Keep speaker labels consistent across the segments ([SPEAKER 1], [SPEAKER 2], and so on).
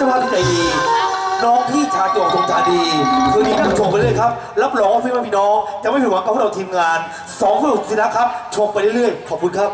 [SPEAKER 1] จ้าภาพที่ใจดีน้องที่ชาจวงทรงจาดีคืนนี้นั่งชมไปเรื่อยครับรับรองว่าพี่น้องจะไม่ผิดหวังกับพวกเราทีมงาน2 คนสุดที่รักครับชมไปเรื่อยๆขอบคุณครับ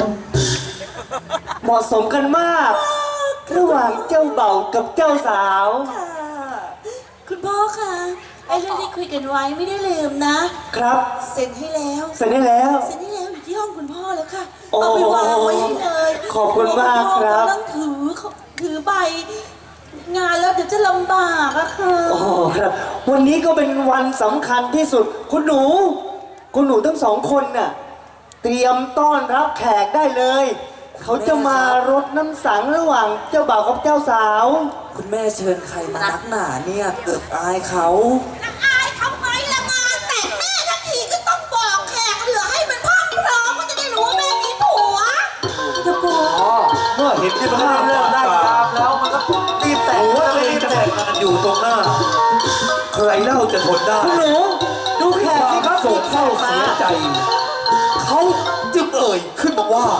[SPEAKER 2] เหมาะสมกันมากระหว่างเจ้าเบ่าวกับเจ้าสาว
[SPEAKER 3] คุณพ่อคะไอ้เรื่องที่คุยกันไว้ไม่ได้ลืมนะครับเซ็นให้แล้ว
[SPEAKER 2] เสร็จได้แล้ว
[SPEAKER 3] อยู่ที่ห้องคุณพ่อแล้วค่ะ
[SPEAKER 2] โอ้
[SPEAKER 3] เอาไปวางไว้ให้เลย
[SPEAKER 2] ขอบคุณมากครับ
[SPEAKER 3] ต้องถือใบงานแล้วเดี๋ยวจะลำบากอะค่ะ
[SPEAKER 2] โอ้ครับวันนี้ก็เป็นวันสำคัญที่สุดคุณหนูทั้ง2 คนน่ะเตรียมต้อนรับแขกได้เลยเขาจะมารดน้ำสังระหว่างเจ้าบ่าวกับเจ้าสาว
[SPEAKER 4] คุณแม่เชิญใครมานักหนาเนี่ยเกิดอายเขา
[SPEAKER 3] อายทำไมละงานแต่แม่ทันทีก็ต้องบอกแขกเหลือให้มันพร้อมก็จะได้รู้ว่าแม่มีผัวจะผัว
[SPEAKER 1] เมื่อเห็นที่ภาพเริ่มได้ตามแล้วมันก็รีบแต่งว่าตัวเองจะแต่งงานอยู่ตรงหน้าใครเล่าจะทนได้
[SPEAKER 2] คุณหนูดูแขกสิครับ
[SPEAKER 1] โศกเศร้าเสียใจเขาจึงเอ่ยขึ้นมาว่า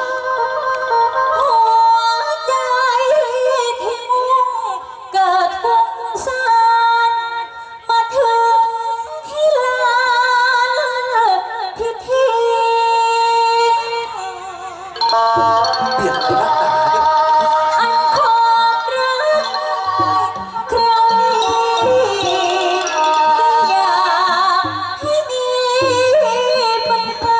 [SPEAKER 3] เกิดฟุ้งซ่านมาถึงที่ลานพิธี
[SPEAKER 1] เปลี่ยนไปนักหนาเนี่ย
[SPEAKER 3] อันความรักคราวนี้ก็อยากให้มีปัญหา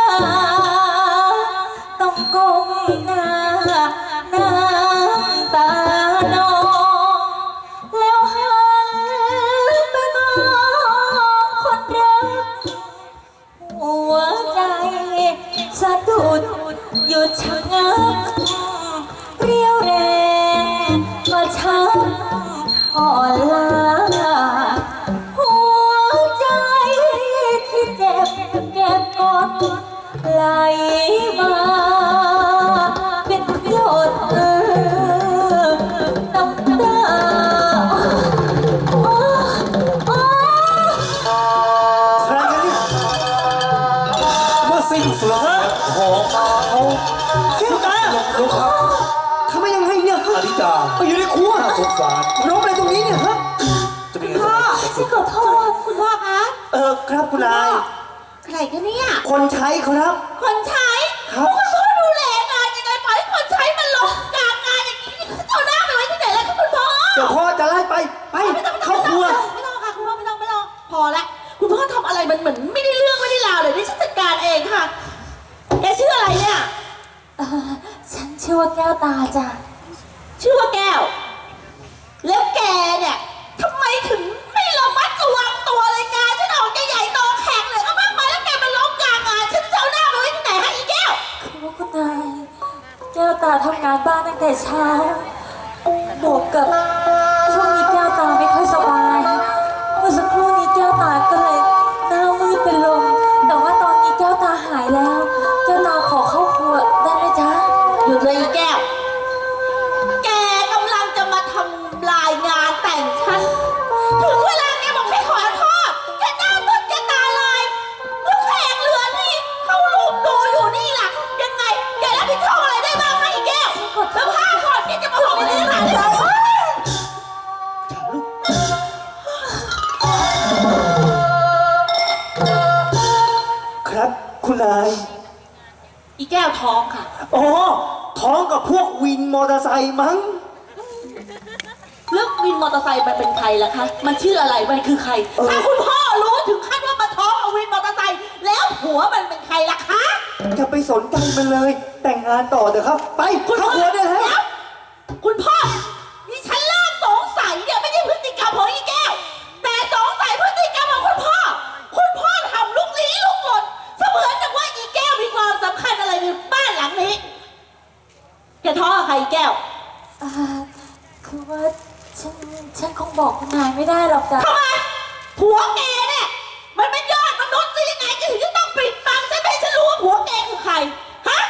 [SPEAKER 3] ต้องก้มหน้าน้ำตานองแล้วหันไปมองคนรักหัวใจสะดุดหยุดชะงักเรียวแรงก็ช้ำอ่อนล้าหัวใจที่เจ็บเก็บกดไหลมาเป็นหยดน้ำตา
[SPEAKER 2] ใครกันเนี่ย
[SPEAKER 1] เมื่อสิ้นสุดของเขา
[SPEAKER 2] แก้วตา
[SPEAKER 1] ลูกครับ
[SPEAKER 2] ทำไมยังไงเนี่ย
[SPEAKER 1] อนิตา
[SPEAKER 2] ไปอยู่ในครัว
[SPEAKER 1] น่าสงสาร
[SPEAKER 2] ร้องอะไรตรงนี้เนี่ยฮะ
[SPEAKER 1] จะเป็นไง
[SPEAKER 3] พ่อฉันขอโทษคุณพ่อคะ
[SPEAKER 2] ครับคุณนาย
[SPEAKER 3] ใครกันเนี่ย
[SPEAKER 2] คนใช้ครับ
[SPEAKER 3] คนใช้
[SPEAKER 2] ครับ
[SPEAKER 3] คุณพ่อดูแลงานยังไงปล่อยให้คนใช้มันลงกลางงานอย่างนี้นี่จะเอาหน้าไปไว้ที่ไหนล่ะคุณพ่อ
[SPEAKER 2] เดี๋ยวพ่อจะไล่ไปเข้าครัว
[SPEAKER 3] ไม่ต้องค่ะคุณพ่อไม่ต้องพอละคุณพ่อทำอะไรมันเหมือนไม่ได้เรื่องไม่ได้ราวเลยนี่ฉันจัดการเองค่ะแกชื่ออะไรเนี่ย
[SPEAKER 5] ฉันชื่อว่าแก้วตาจ้ะ
[SPEAKER 3] ชื่อว่าแก้ว แล้วแกเนี่ยทำไมถึงไม่ระมัดระวังตัวเลยงานฉันออกจะใหญ่โตแข่งเลยก็มากมายแล้วแกมาล้มกลางงานฉันจะเอาหน้าไปไว้ที่ไหนฮะอีแก้ว
[SPEAKER 5] คือว่าคุณนายแก้วตาทำงานบ้านตั้งแต่เช้าบวกกับช่วงนี้แก้วตาไม่ค่อยสบายเมื่อสักครู่นี้แก้วตาก็เลยหน้ามืดเป็นลมแต่ว่าตอนนี้แก้วตาหายแล้วแก้วตาขอเข้าครัวได้ไหมจ๊ะ
[SPEAKER 3] หยุดเลยอีแก้ว แกกำลังจะมาทำลายงานแต่งฉัน ถึงเวลาแกบอกให้ขอโทษแกหน้ามืดแกตาลายแล้วแขกเหลือนี่เขาลูกดูอยู่นี่ล่ะ ยังไงแกรับผิดชอบอะไรได้บ้างคะอีแก้ว แล้วผ้าก่อนแกจะมาบอกอะไรขนาดนี้
[SPEAKER 2] ครับคุณนาย
[SPEAKER 3] อีแก้วท้องค่ะ
[SPEAKER 2] อ๋อท้องกับพวกวินมอเตอร์ไซค์มั้ง
[SPEAKER 3] เรื่องวินมอเตอร์ไซค์มันเป็นใครล่ะคะ มันชื่ออะไร มันคือใคร ถ้าคุณพ่อรู้ถึงขั้นว่ามาท้องเอาวินมอเตอร์ไซค์แล้วผัวมันเป็นใครล่ะคะ
[SPEAKER 2] จะไปสนใจมันเลย แต่งงานต่อเถอะครับ ไปเข้าครัวได้แล้ว
[SPEAKER 3] คุณพ่อนี่ฉันเริ่มสงสัยเนี่ยไม่ใช่พฤติกรรมของอีแก้ว แต่สงสัยพฤติกรรมของคุณพ่อ คุณพ่อทำลุกลี้ลุกลนเสมือนกับว่าอีแก้วมีความสำคัญอะไรในบ้านหลังนี้แกท้องกับใครอีแก้ว
[SPEAKER 5] คือว่าฉันคงบอกคุณนายไม่ได้หรอกจ้ะ
[SPEAKER 3] ทำไมผัวแกเนี่ยมันเป็นยอดมนุษย์หรือยังไงแกถึงจะต้องปิดบังฉันไม่ให้ฉันรู้ว่าผัวแกคือใครฮะ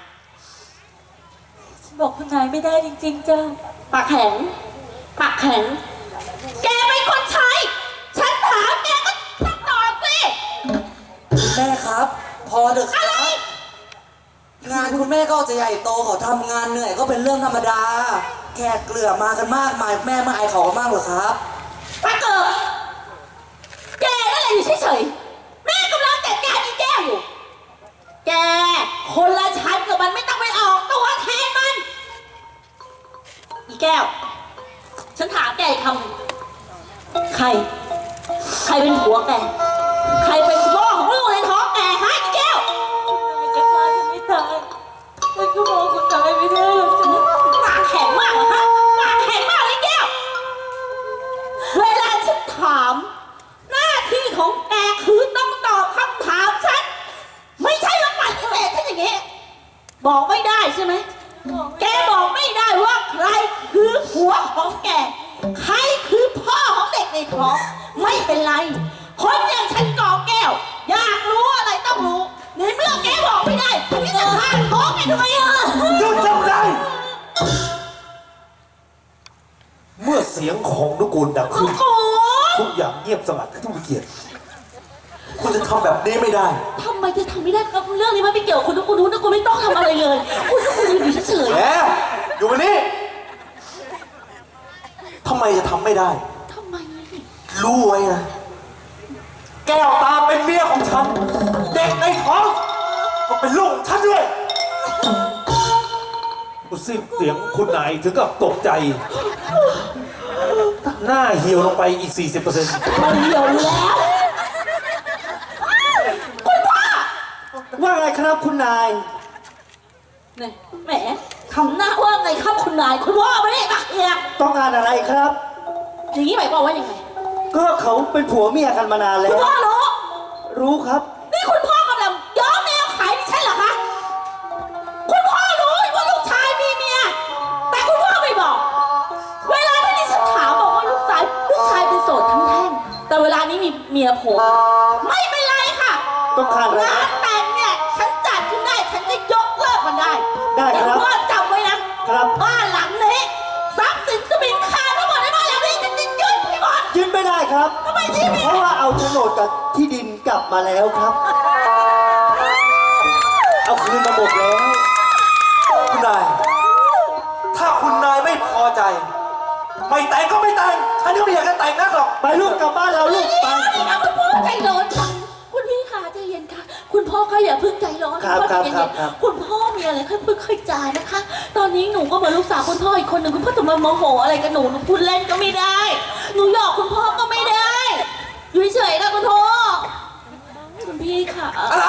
[SPEAKER 5] ฉันบอกคุณนายไม่ได้จริงๆจ้ะ
[SPEAKER 3] ปากแข็งปากแข็งแกเป็นคนใช้ ฉันถามแกก็ต้องตอบสิ
[SPEAKER 4] คุณแม่ครับ พอเถอะครับงานคุณแม่ก็จะใหญ่โตเขาทำงานเหนื่อยก็เป็นเรื่องธรรมดาแขกเกลือมากันมากมายแม่มาอายเขากันมากเหรอครับ
[SPEAKER 3] ปาเกิดแกนั่นแหละอยู่เฉยๆแม่กำลังจัดการอีแก้วอยู่ แกคนละชั้นกับมันไม่ต้องไปออกตัวแทนมัน อีแก้ว ฉันถามแกอีกคำหนึ่งใครเป็นผัวแก ใครเป็นพ่อของลูกในท้องแกฮะอีแก้ว
[SPEAKER 5] จะฆ่าฉันไม่ตายฉันก็มองคุณตายไม่ได้หรอกจ้ะ
[SPEAKER 3] ปากแข็งมากเหรอฮะปากแข็งมากเลยแก้ว เวลาฉันถาม หน้าที่ของแกคือต้องตอบคำถามฉัน ไม่ใช่มาปฏิเสธฉันอย่างนี้ บอกไม่ได้ใช่ไหม แกบอกไม่ได้ว่าใครคือผัวของแก ใครคือพ่อของเด็กในท้อง ไม่เป็นไร คนอย่างฉันกอแก้ว อยากรู้อะไรต้องรู้ ในเมื่อแกบอกไม่ได้พี่จะฆ่าท้องแกทำไมอ่ะ
[SPEAKER 1] หยุดจำได้ เมื่อเสียงของนุกูลดังขึ้น
[SPEAKER 3] โอ้โห
[SPEAKER 1] ทุกอย่างเงียบสงัดให้ทุกเกียรติคุณจะทำแบบนี้ไม่ได้
[SPEAKER 3] ทำไมจะทำไม่ได้ครับเรื่องนี้มันไม่เกี่ยวกับคุณทุกคนทุกคนไม่ต้องทำอะไรเลย คุณทุกคนอยู่เฉย
[SPEAKER 1] แหมอยู่วันนี้ทำไมจะทำไม่ได้
[SPEAKER 3] ๆทำไม
[SPEAKER 1] รู้ไว้นะ แก้วตาเป็นเมียของฉัน เด็กในท้องก็เป็นลูกของฉันด้วยคุณสิ้นเสียงคุณนายถึงกับตกใจ หน้าเหี่ยวลงไปอีก 40%
[SPEAKER 3] มันเหี่ยวแล้ว คุณพ่อ
[SPEAKER 2] ว่าไงครับคุณนาย
[SPEAKER 3] เนี่ยแหมทำหน้าว่าไงครับคุณนายคุณพ่อไม่ได้มาเคลียร์
[SPEAKER 2] ต้องการอะไรครับ
[SPEAKER 3] อย่างนี้หมายความว่ายังไง
[SPEAKER 2] ก็เขาเป็นผัวเมียกันมานานแล้
[SPEAKER 3] คุณ
[SPEAKER 2] ว
[SPEAKER 3] พ่อรู้
[SPEAKER 2] รู้ครับ
[SPEAKER 3] นี่คุณพ่อกำลังย้อมแนวขายดิฉันเหรอคะ คุณพ่อรู้ว่าลูกชายมีเมีย แต่คุณพ่อไม่บอก เวลาที่ดิฉันถามบอกว่าลูกชายเป็นโสดทั้งแท่ง แต่เวลานี้มีเมียผมไม่เป็นไรค่ะ
[SPEAKER 2] ต้องการอะไร
[SPEAKER 3] งานแต่งเนี่ยฉันจัดขึ้นได้ ฉันจะยกเลิกมันได้
[SPEAKER 2] ได้ครับ
[SPEAKER 3] แต่คุณพ่อจำไว้นะครับ บ้านหลังนี้ทรัพย์สินสมิงคาทั้งหมดในบ้านหลังนี้ฉันจะยึดให้หมด
[SPEAKER 2] ยึดไม่ได้ครับ
[SPEAKER 3] ทำไมยึดไม่ได้
[SPEAKER 2] เพราะว่าเอาโฉนดกับที่ดินกลับมาแล้วครับ เอาคืนมาหมดแล้ว
[SPEAKER 1] คุณนาย ถ้าคุณนายไม่พอใจ ไม่แต่งก็ไม่แต่ง ฉันก็ไม่อยากจะแต่งนักหรอก
[SPEAKER 2] ไปลูกกลับบ้านเราลูกไป
[SPEAKER 3] นี่นะคุณพ่อใจร้อนจังคุณพี่คะใจเย็นค่ะ คุณพ่อก็อย่าเพิ่งใจร้อน
[SPEAKER 2] ครับ
[SPEAKER 3] ณพ่อใจเย็น
[SPEAKER 2] ครับ
[SPEAKER 3] คุณพ่อมีอะไรค่อยๆค่อยๆจานะคะ ตอนนี้หนูก็เหมือนลูกสาวคุณพ่ออีกคนหนึ่งคุณพ่อจะมาโมโหอะไรกับหนูพูดเล่นก็ไม่ได้ หนูหยอกคุณพ่อก็ไม่ได้ อยู่เฉยๆนะคุณพ่อคุณพี่ค่ะ
[SPEAKER 1] อะไร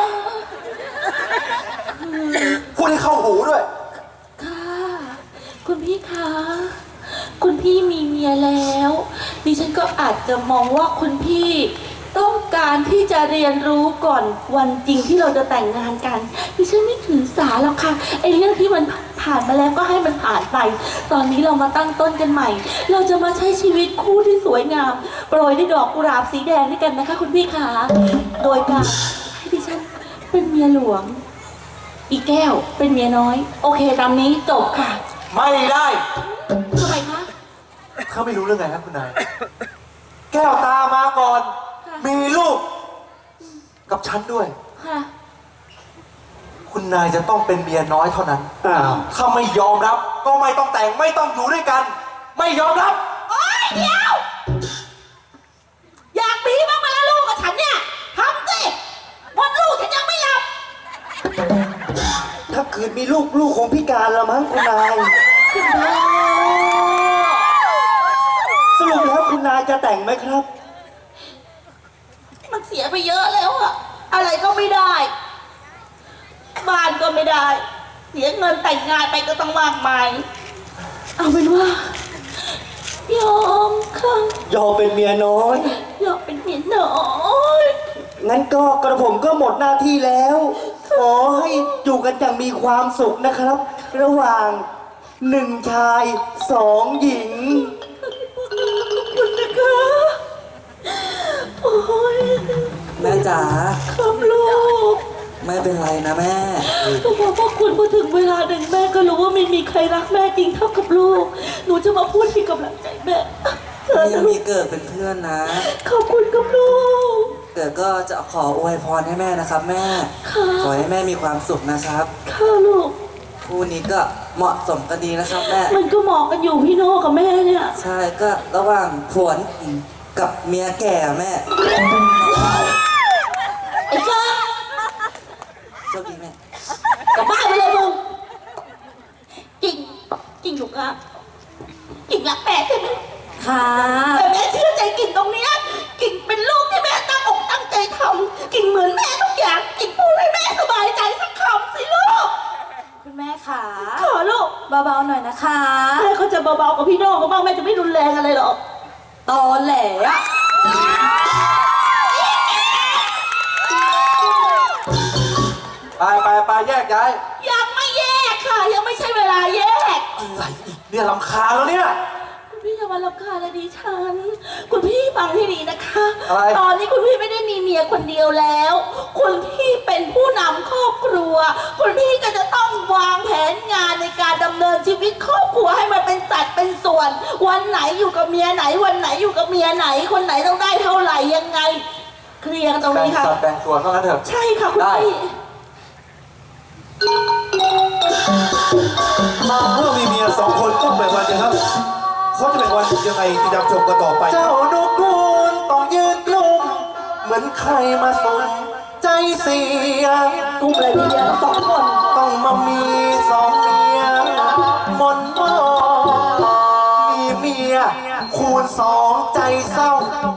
[SPEAKER 1] พูดให้เข้าหูด้วย
[SPEAKER 3] ค่ะ คุณพี่คะ คุณพี่มีเมียแล้ว ดิฉันก็อาจจะมองว่าคุณพี่ต้องการที่จะเรียนรู้ก่อนวันจริงที่เราจะแต่งงานกัน ดิฉันไม่ถือสาหรอกค่ะไอ้เรื่องที่มันผ่านมาแล้วก็ให้มันผ่านไป ตอนนี้เรามาตั้งต้นกันใหม่ เราจะมาใช้ชีวิตคู่ที่สวยงาม โปรยด้วยดอกกุหลาบสีแดงด้วยกันนะคะ คุณพี่คะโดยการให้ดิฉันเป็นเมียหลวง อีแก้วเป็นเมียน้อย โอเคตามนี้จบค่ะ
[SPEAKER 1] ไม่ได้
[SPEAKER 3] ทำไมคะ
[SPEAKER 1] เขาไม่รู้เรื่องไงครับคุณนาย แก้วตามาก่อน
[SPEAKER 3] ค่ะ
[SPEAKER 1] มีลูก กับฉันด้วย
[SPEAKER 3] ค่ะ
[SPEAKER 1] คุณนายจะต้องเป็นเมียน้อยเท่านั้น
[SPEAKER 2] อ้าว
[SPEAKER 1] ถ้าไม่ยอมรับ ก็ไม่ต้องแต่งไม่ต้องอยู่ด้วยกัน ไม่ยอมรับ
[SPEAKER 3] โอ๊ยเดี๋ยว อยากมีบ้างไหมล่ะลูกกับฉันเนี่ยทำสิวันลูกฉันยังไม่หลับ
[SPEAKER 2] ถ้าคืนมีลูกคงพิการแล้วมั้งคุณนาย
[SPEAKER 3] คุณพ่อ
[SPEAKER 2] สรุปแล้วคุณนายจะแต่งไหมครับ
[SPEAKER 3] มันเสียไปเยอะแล้วอะอะไรก็ไม่ได้ บ้านก็ไม่ได้ เสียเงินแต่งงานไปก็ต้องมากมาย เอาเป็นว่ายอมค่ะ
[SPEAKER 2] ยอมเป็นเมียน้อย
[SPEAKER 3] ยอมเป็นเมียน้อย
[SPEAKER 2] งั้นก็กระผมก็หมดหน้าที่แล้ว ขอให้อยู่กันอย่างมีความสุขนะครับ ระหว่างหนึ่งชายสองหญิง
[SPEAKER 3] คุณนะคะโอ้ย
[SPEAKER 4] แม่จ๋า
[SPEAKER 3] ครับลูก
[SPEAKER 4] ไม่เป็นไรนะแม่
[SPEAKER 3] ก็บอกว่าคุณพอถึงเวลาหนึ่งแม่ก็รู้ว่าไม่มีใครรักแม่จริงเท่ากับลูก หนูจะมาพูดให้กำลังใจแม่เธอ
[SPEAKER 4] ยั
[SPEAKER 3] จะ
[SPEAKER 4] ง
[SPEAKER 3] ลู
[SPEAKER 4] มี
[SPEAKER 3] ก
[SPEAKER 4] เกิดเป็นเพื่อนนะ
[SPEAKER 3] ขอบคุณกับลูก
[SPEAKER 4] เกิดก็จะขออวยพรให้แม่นะครับ แม่
[SPEAKER 3] ค่ะ
[SPEAKER 4] ขอให้แม่มีความสุขนะครับ
[SPEAKER 3] ค่ะลูก
[SPEAKER 4] คู่นี้ก็เหมาะสมกันดีนะครับแม่
[SPEAKER 5] มันก็เหมาะกันอยู่พี่โน่กับแม่เนี่ย
[SPEAKER 4] ใช่ก็ระหว่างผัวกับเมียแก่แม่
[SPEAKER 5] ไอ้จ้า
[SPEAKER 4] โชคดีแม่
[SPEAKER 5] กลับบ้านไปเลยมึงกิ่งถูกอ่ะกิ่งรักแม่ใช่ไหมค่ะแต่แม่เชื่อใจกิ่งตรงเนี้ยกิ่งเป็นลูกที่แม่ตั้งอกตั้งใจทำกิ่งเหมือนแม่ทุกอย่างกิ่งพูดให้แม่สบายใจสักคำสิลูกคุณแม่ค่ะขอลูกเบาๆหน่อยนะคะแม่เขาจะเบาๆกับพี่โน่เขาบ้างแม่จะไม่รุนแรงอะไรหรอกตอแหลอะ
[SPEAKER 1] ไปแยกย้าย
[SPEAKER 5] ยังไม่แยกค่ะ ยังไม่ใช่เวลาแยก
[SPEAKER 1] อะไรอีกเนี่ยรำคาญแล้วเนี่ย
[SPEAKER 5] คุณพี่อย่ามารำคาญเลยดิฉัน คุณพี่ฟังให้ดีนะคะ
[SPEAKER 1] อะไร
[SPEAKER 5] ตอนนี้คุณพี่ไม่ได้มีเมียคนเดียวแล้ว คุณพี่เป็นผู้นำครอบครัว คุณพี่ก็จะต้องวางแผนงานในการดำเนินชีวิตครอบครัวให้มันเป็นสัดเป็นส่วน วันไหนอยู่กับเมียไหน วันไหนอยู่กับเมียไหน คนไหนต้องได้เท่าไหร่ยังไง เคลียร์กันตรงนี้ค่ะ
[SPEAKER 1] แบ่งส่วนเท่านั้นเถอะ
[SPEAKER 5] ใช่ค่ะคุณ
[SPEAKER 1] ได้
[SPEAKER 5] พี่
[SPEAKER 1] เมื่อมีเมียสองคนต้องแบ่งวันกันครับเขาจะแบ่งวันยังไงติดตามชมกันต่อไป
[SPEAKER 2] เจ้านกกูลต้องยืนกลุ่มเหมือนใครมาสนใจเสีย
[SPEAKER 5] กุมเลยพี่เลี้ยงสองคน
[SPEAKER 2] ต้องมามีสองเมียมนมอมีเมียคูณสองใจเศร้า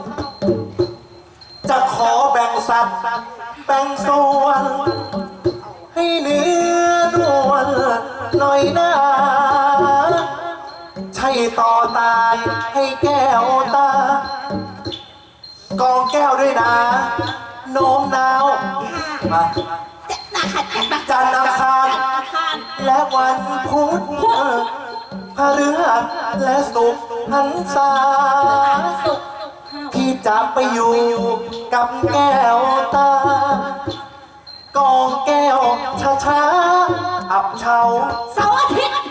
[SPEAKER 2] จะขอแบ่งสัตว์แบ่งส่วน ให้เนื้อนวลหน่อยนะใช่ต่อตายให้แก้วตากองแก้วด้วยนะโน้มน้าวมาจันทร์อังคารและวันพุธพฤหัสและศุกร์หันษาพี่จะไปอยู่กับแก้วตากองแก้วช้าๆอับเฉา
[SPEAKER 5] เสาร์อาทิตย์